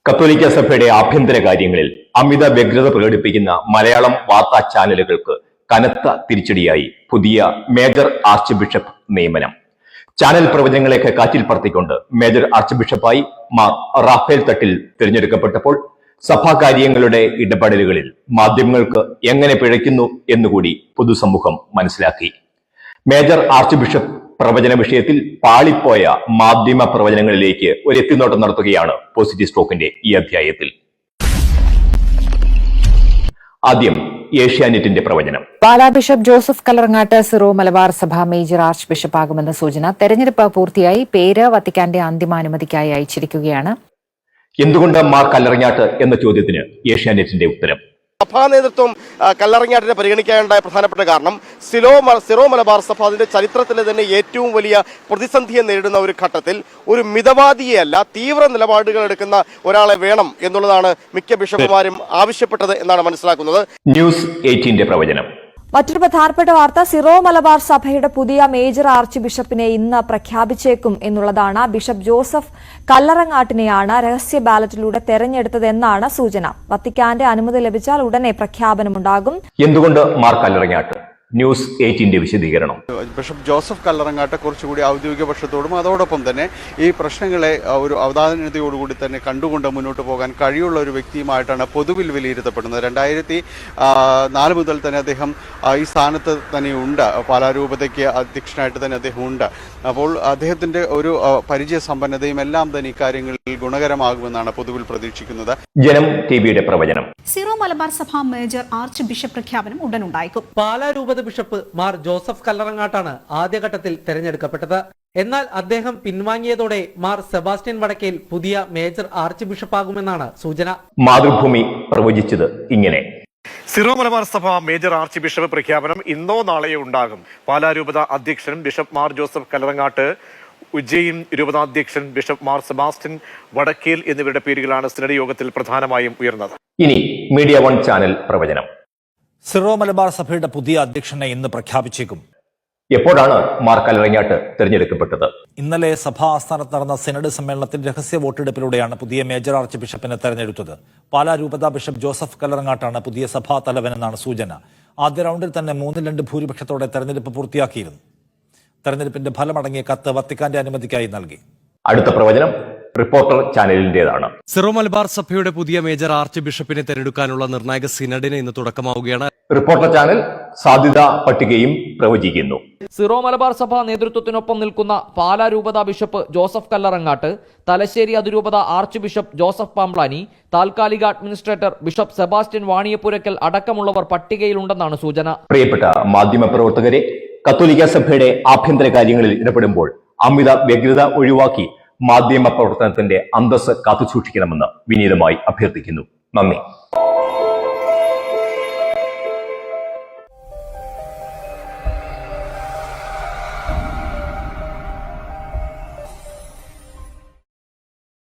കത്തോലിക്ക സഭയുടെ ആഭ്യന്തര കാര്യങ്ങളിൽ അമിത വ്യഗ്രത പ്രകടിപ്പിക്കുന്ന മലയാളം വാർത്താ ചാനലുകൾക്ക് കനത്ത തിരിച്ചടിയായി പുതിയ മേജർ ആർച്ച് ബിഷപ്പ് നിയമനം. ചാനൽ പ്രവചനങ്ങളെയൊക്കെ കാറ്റിൽ പറത്തിക്കൊണ്ട് മേജർ ആർച്ച് ബിഷപ്പായി മാർ റാഫേൽ തട്ടിൽ തിരഞ്ഞെടുക്കപ്പെട്ടപ്പോൾ സഭാകാര്യങ്ങളുടെ ഇടപെടലുകളിൽ മാധ്യമങ്ങൾക്ക് എങ്ങനെ പിഴയ്ക്കുന്നു എന്നുകൂടി പൊതുസമൂഹം മനസ്സിലാക്കി. മേജർ ആർച്ച് ബിഷപ്പ് പ്രവചന വിഷയത്തിൽ പാളിപ്പോയ മാധ്യമ പ്രവചനങ്ങളിലേക്ക് ഒരു എത്തിനോട്ടം നടത്തുകയാണ് പോസിറ്റീവ് സ്റ്റോക്കിന്റെ ഈ അധ്യായത്തിൽ. ആദ്യം ഏഷ്യാനെറ്റിന്റെ പ്രവചനം. Pala bishop Joseph Kallarangatt Syro Malabar സഭ മേജർ ആർച്ച് ബിഷപ്പാകുമെന്ന സൂചന. തെരഞ്ഞെടുപ്പ് പൂർത്തിയായി. പേര് വത്തിക്കാന്റെ അന്തിമാനുമതിക്കായി അയച്ചിരിക്കുകയാണ്. എന്തുകൊണ്ട് മാർ കല്ലറങ്ങാട്ട് എന്ന ചോദ്യത്തിന് ഏഷ്യാനെറ്റിന്റെ ഉത്തരം. സഭാ നേതൃത്വം കല്ലറങ്ങാട്ടിനെ പരിഗണിക്കാനുണ്ടായ പ്രധാനപ്പെട്ട കാരണം സിറോ മലബാർ സഭ അതിന്റെ ചരിത്രത്തിലെ തന്നെ ഏറ്റവും വലിയ പ്രതിസന്ധിയെ നേരിടുന്ന ഒരു ഘട്ടത്തിൽ ഒരു മിതവാദിയെയല്ല തീവ്ര നിലപാടുകൾ എടുക്കുന്ന ഒരാളെ വേണം എന്നുള്ളതാണ് മിക്ക ബിഷപ്പുമാരും ആവശ്യപ്പെട്ടത് എന്നാണ് മനസ്സിലാക്കുന്നത്. ന്യൂസ് 18 പ്രവചനം. മറ്റൊരു പ്രധാനപ്പെട്ട വാർത്ത, സിറോ മലബാർ സഭയുടെ പുതിയ മേജർ ആർച്ച് ബിഷപ്പിനെ ഇന്ന് പ്രഖ്യാപിച്ചേക്കും എന്നുള്ളതാണ്. ബിഷപ്പ് ജോസഫ് കല്ലറങ്ങാട്ടിനെയാണ് രഹസ്യ ബാലറ്റിലൂടെ തെരഞ്ഞെടുത്തതെന്നാണ് സൂചന. വത്തിക്കാന്റെ അനുമതി ലഭിച്ചാൽ ഉടനെ പ്രഖ്യാപനമുണ്ടാകും. എന്തുകൊണ്ട് മാർ കല്ലറങ്ങാട്ട്? ന്യൂസ് 18 വിശദീകരണം. ബിഷപ്പ് ജോസഫ് കല്ലറങ്ങാട്ട് കുറച്ചുകൂടി ഔദ്യോഗിക പക്ഷത്തോടും അതോടൊപ്പം തന്നെ ഈ പ്രശ്നങ്ങളെ ഒരു അവധാനതയോടുകൂടി തന്നെ കണ്ടുകൊണ്ട് മുന്നോട്ട് പോകാൻ കഴിയുള്ള ഒരു വ്യക്തിയുമായിട്ടാണ് പൊതുവിൽ വിലയിരുത്തപ്പെടുന്നത്. 2004 മുതൽ തന്നെ അദ്ദേഹം ഈ സ്ഥാനത്ത് തന്നെയുണ്ട്. പാലാരൂപതയ്ക്ക് അധ്യക്ഷനായിട്ട് തന്നെ അദ്ദേഹം ഉണ്ട്. അപ്പോൾ അദ്ദേഹത്തിന്റെ ഒരു പരിചയ സമ്പന്നതയും എല്ലാം തന്നെ ഇക്കാര്യങ്ങളിൽ ഗുണകരമാകുമെന്നാണ് പൊതുവിൽ പ്രതീക്ഷിക്കുന്നത്. ജനം ടിവിയുടെ പ്രവചനം. സിറോ മലബാർ സഭ മേജർ ആർച്ച് ബിഷപ്പ് പ്രഖ്യാപനം ഉടനുണ്ടായേക്കും. പാലാരൂപത ബിഷപ്പ് മാർ ജോസഫ് കല്ലറങ്ങാട്ടാണ് ആദ്യഘട്ടത്തിൽ തെരഞ്ഞെടുക്കപ്പെട്ടത്. എന്നാൽ അദ്ദേഹം പിൻവാങ്ങിയതോടെ മാർ സെബാസ്റ്റ്യൻ വടക്കേൽ പുതിയ മേജർ ആർച്ച് ബിഷപ്പാകുമെന്നാണ് സൂചന. മാതൃഭൂമി പ്രവചിച്ചത് ഇങ്ങനെ. സിറോ മലബാർ സഭ മേജർ ആർച്ച് ബിഷപ്പ് പ്രഖ്യാപനം ഇന്നോ നാളെയോ ഉണ്ടാകും. പാലാരൂപത അധ്യക്ഷൻ ബിഷപ്പ് മാർ ജോസഫ് കല്ലറങ്ങാട്ട്, ഉജ്ജയിൻ രൂപതാധ്യക്ഷൻ ബിഷപ്പ് മാർ സെബാസ്റ്റ്യൻ വടക്കേൽ എന്നിവരുടെ പേരുകളാണ് സിനഡ് യോഗത്തിൽ പ്രധാനമായും ഉയർന്നത്. ഇനി മീഡിയ 1 ചാനൽ പ്രവചനം. സിറോ മലബാർ സഭയുടെ പുതിയ അധ്യക്ഷനെ ഇന്ന് പ്രഖ്യാപിച്ചേക്കും. എപ്പോഴാണ് മാർ കല്ലറങ്ങാട്ട് തിരഞ്ഞെടുക്കപ്പെട്ടത്? ഇന്നലെ സഭാ ആസ്ഥാനത്ത് നടന്ന സിനഡ് സമ്മേളനത്തിൽ രഹസ്യ വോട്ടെടുപ്പിലൂടെയാണ് പുതിയ മേജർ ആർച്ച് ബിഷപ്പിനെ തെരഞ്ഞെടുത്തത്. പാലാ രൂപത ബിഷപ്പ് ജോസഫ് കല്ലറങ്ങാട്ടാണ് പുതിയ സഭാ തലവനെന്നാണ് സൂചന. ആദ്യ റൗണ്ടിൽ തന്നെ 3-2 ഭൂരിപക്ഷത്തോടെ തെരഞ്ഞെടുപ്പ് പൂർത്തിയാക്കിയിരുന്നു. തെരഞ്ഞെടുപ്പിന്റെ ഫലമടങ്ങിയ കത്ത് വത്തിക്കാന്റെ അനുമതിക്കായി നൽകി. അടുത്ത പ്രവചനം റിപ്പോർട്ടർ ചാനലിന്റേതാണ്. സിറോ മലബാർ സഭയുടെ പുതിയ മേജർ ആർച്ച് ബിഷപ്പിനെ തെരഞ്ഞെടുക്കാനുള്ള നിർണായക സിനഡിന് ഇന്ന് തുടക്കമാവുകയാണ്. റിപ്പോർട്ടർ ചാനൽ സാധ്യതാ പട്ടികയും പ്രവചിക്കുന്നു. സിറോ മലബാർ സഭ നേതൃത്വത്തിനൊപ്പം നിൽക്കുന്ന പാലാ രൂപത ബിഷപ്പ് ജോസഫ് കല്ലറങ്ങാട്ട്, തലശ്ശേരി അതിരൂപത ആർച്ച് ബിഷപ്പ് ജോസഫ് പാംപ്ലാനി, താൽക്കാലിക അഡ്മിനിസ്ട്രേറ്റർ ബിഷപ്പ് സെബാസ്റ്റ്യൻ വാണിയപ്പുരയ്ക്കൽ അടക്കമുള്ളവർ പട്ടികയിലുണ്ടെന്നാണ് സൂചന. പ്രിയപ്പെട്ട മാധ്യമ പ്രവർത്തകരെ, കത്തോലിക്ക സഭയുടെ ആഭ്യന്തര കാര്യങ്ങളിൽ ഇടപെടുമ്പോൾ അമിത വ്യഗ്രത ഒഴിവാക്കി മാധ്യമ പ്രവർത്തനത്തിന്റെ അന്തസ്സ് കാത്തുസൂക്ഷിക്കണമെന്ന് വിനീതമായി അഭ്യർത്ഥിക്കുന്നു. നന്ദി.